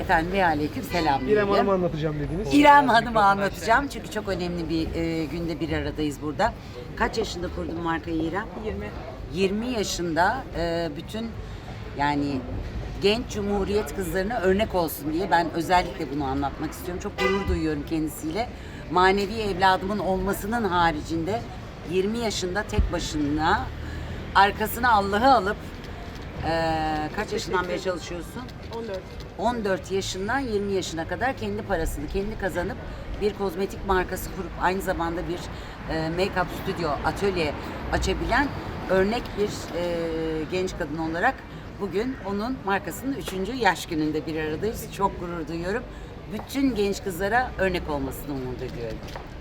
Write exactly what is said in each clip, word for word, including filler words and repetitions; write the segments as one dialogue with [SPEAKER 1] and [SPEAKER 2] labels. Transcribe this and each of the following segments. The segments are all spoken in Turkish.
[SPEAKER 1] Efendim ve aleyküm selam.
[SPEAKER 2] İrem Hanım'ı anlatacağım dediniz.
[SPEAKER 1] İrem Hanım'ı anlatacağım çünkü çok önemli bir e, günde bir aradayız burada. Kaç yaşında kurdun markayı İrem?
[SPEAKER 3] yirmi.
[SPEAKER 1] yirmi yaşında e, bütün yani genç cumhuriyet kızlarına örnek olsun diye ben özellikle bunu anlatmak istiyorum. Çok gurur duyuyorum kendisiyle. Manevi evladımın olmasının haricinde yirmi yaşında tek başına arkasına Allah'ı alıp e, kaç yaşından beri çalışıyorsun?
[SPEAKER 3] on dört.
[SPEAKER 1] on dört yaşından yirmi yaşına kadar kendi parasını kendi kazanıp bir kozmetik markası kurup aynı zamanda bir e, make-up stüdyo, atölye açabilen örnek bir e, genç kadın olarak bugün onun markasının üçüncü yaş gününde bir aradayız. Çok gurur duyuyorum. Bütün genç kızlara örnek olmasını umut ediyorum.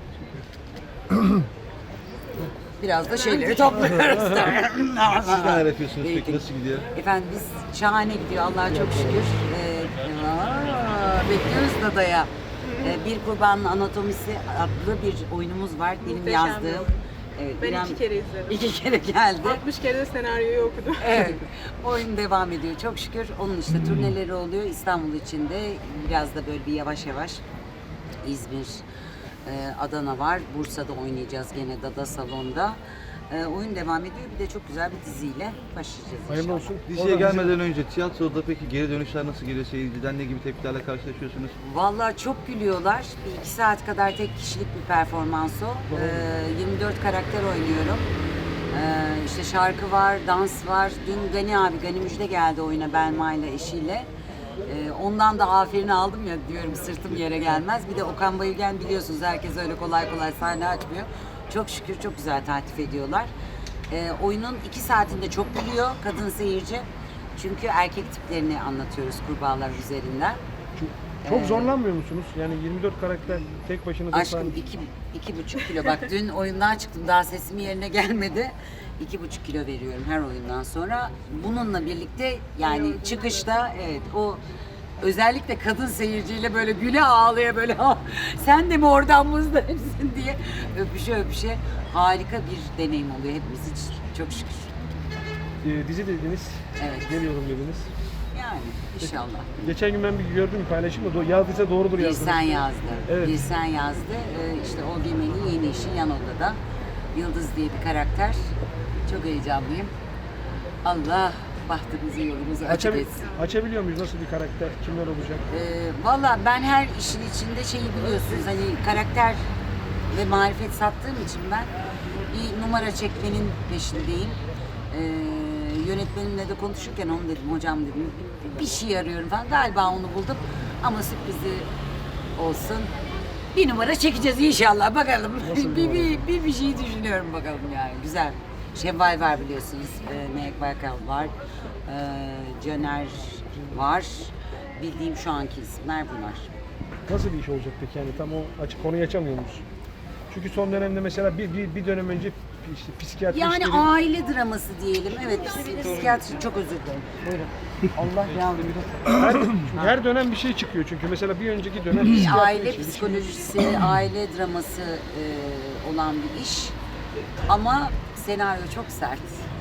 [SPEAKER 1] Biraz da şeyleri topluyoruz.
[SPEAKER 4] Siz neler yapıyorsunuz peki? Nasıl gidiyor?
[SPEAKER 1] Efendim biz şahane gidiyor Allah'a çok şükür. Ee, aa, bekliyoruz Dada'ya. Ee, bir Kurbanın Anatomisi adlı bir oyunumuz var. Benim
[SPEAKER 3] Muhteşem
[SPEAKER 1] yazdığım.
[SPEAKER 3] bir oyun.
[SPEAKER 1] Evet,
[SPEAKER 3] Ben
[SPEAKER 1] İrem
[SPEAKER 3] iki kere izledim.
[SPEAKER 1] iki kere geldi.
[SPEAKER 3] altmış kere de senaryoyu okudum.
[SPEAKER 1] Evet. Oyun devam ediyor çok şükür. Onun işte turneleri oluyor İstanbul içinde. Biraz da böyle bir yavaş yavaş İzmir, e, Adana var. Bursa'da oynayacağız gene Dada Salon'da. E, oyun devam ediyor. Bir de çok güzel bir diziyle başlayacağız
[SPEAKER 2] Hayırlı
[SPEAKER 1] inşallah.
[SPEAKER 2] olsun.
[SPEAKER 4] Diziye
[SPEAKER 2] Oradan
[SPEAKER 4] gelmeden önce tiyatroda peki geri dönüşler nasıl geliyor? Seyirciden ne gibi tepkilerle karşılaşıyorsunuz?
[SPEAKER 1] Vallahi çok gülüyorlar. Bir iki saat kadar tek kişilik bir performans o. Ee, yirmi dört karakter oynuyorum. Ee, işte şarkı var, dans var. Dün Gani abi, Gani Müjde geldi oyuna Belma ile eşiyle. Ee, ondan da aferin aldım ya diyorum sırtım yere gelmez. Bir de Okan Bayülgen biliyorsunuz herkes öyle kolay kolay sahne açmıyor. Çok şükür çok güzel takip ediyorlar. Ee, oyunun iki saatinde çok gülüyor kadın seyirci. Çünkü erkek tiplerini anlatıyoruz kurbağalar üzerinden.
[SPEAKER 2] Çok zorlanmıyor musunuz? Yani yirmi dört karakter tek başına
[SPEAKER 1] Aşkım iki, iki buçuk kilo. Bak dün oyundan çıktım daha sesim yerine gelmedi. İki buçuk kilo veriyorum her oyundan sonra. Bununla birlikte yani çıkışta evet o özellikle kadın seyirciyle böyle güle ağlaya böyle "Ha, sen de mi oradan muzdaripsin" diye öpüşe öpüşe harika bir deneyim oluyor hepimiz için. Çok şükür.
[SPEAKER 2] Ee, dizi dediniz.
[SPEAKER 1] Evet.
[SPEAKER 2] Geliyorum dediniz.
[SPEAKER 1] Yani inşallah.
[SPEAKER 2] Geçen gün ben bir gördüm bir paylaşım da do- yazdıysa doğrudur
[SPEAKER 1] Bir
[SPEAKER 2] yazdınız.
[SPEAKER 1] sen yazdı.
[SPEAKER 2] Evet.
[SPEAKER 1] Bir sen yazdı. Ee, işte o Gemen'in yeni işi yan odada. Yıldız diye bir karakter. Çok heyecanlıyım. Allah bahtımızı yolumuzu açık
[SPEAKER 2] Açabil-
[SPEAKER 1] etsin.
[SPEAKER 2] açabiliyor muyuz? Nasıl bir karakter? Kimler olacak?
[SPEAKER 1] Ee, Valla ben her işin içinde şeyi biliyorsunuz hani karakter ve marifet sattığım için ben bir numara çekmenin peşindeyim. Ee, yönetmenimle de konuşurken onu dedim hocam dedim bir şey arıyorum falan galiba onu buldum ama sürprizi olsun. Bir numara çekeceğiz inşallah bakalım.
[SPEAKER 2] Nasıl bir
[SPEAKER 1] bir,
[SPEAKER 2] numara?
[SPEAKER 1] bir, bir, bir şey düşünüyorum bakalım yani güzel. Şevval var biliyorsunuz, e, Melek Baykal var, e, Caner var. Bildiğim şu anki isimler bunlar.
[SPEAKER 2] Nasıl bir iş olacak peki? Yani tam o açık konuyu açamıyor musun? Çünkü son dönemde mesela bir, bir, bir dönem önce işte psikiyatri
[SPEAKER 1] Yani
[SPEAKER 2] işleri...
[SPEAKER 1] aile draması diyelim. Evet, psikiyatri çok özür dilerim. Buyurun. Allah yardımcı olsun.
[SPEAKER 2] her, çünkü her dönem bir şey çıkıyor çünkü mesela bir önceki dönem
[SPEAKER 1] Bir
[SPEAKER 2] psikiyatri
[SPEAKER 1] aile
[SPEAKER 2] işi, bir şey-
[SPEAKER 1] psikolojisi, aile draması e, olan bir iş. Ama senaryo çok sert.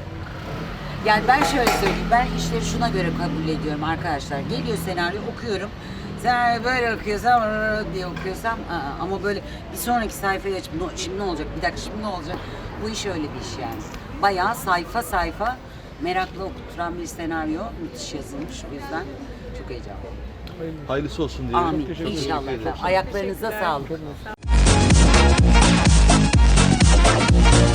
[SPEAKER 1] Yani ben şöyle söyleyeyim, ben işleri şuna göre kabul ediyorum arkadaşlar. Geliyor senaryo, okuyorum. Senaryo böyle okuyorsam, "Rrr" diye okuyorsam, aa, ama böyle bir sonraki sayfayı açıp, "No, şimdi ne olacak, bir dakika şimdi ne olacak?" Bu iş öyle bir iş yani. Bayağı sayfa sayfa merakla okutturan bir senaryo, müthiş yazılmış. O yüzden çok heyecanlıyım.
[SPEAKER 4] Hayırlısı olsun diyelim.
[SPEAKER 1] Amin.
[SPEAKER 2] teşekkür ederim.
[SPEAKER 1] İnşallah.
[SPEAKER 4] Teşekkür ederim.
[SPEAKER 1] Ayaklarınıza
[SPEAKER 3] Teşekkürler.
[SPEAKER 1] sağlık.
[SPEAKER 2] Çok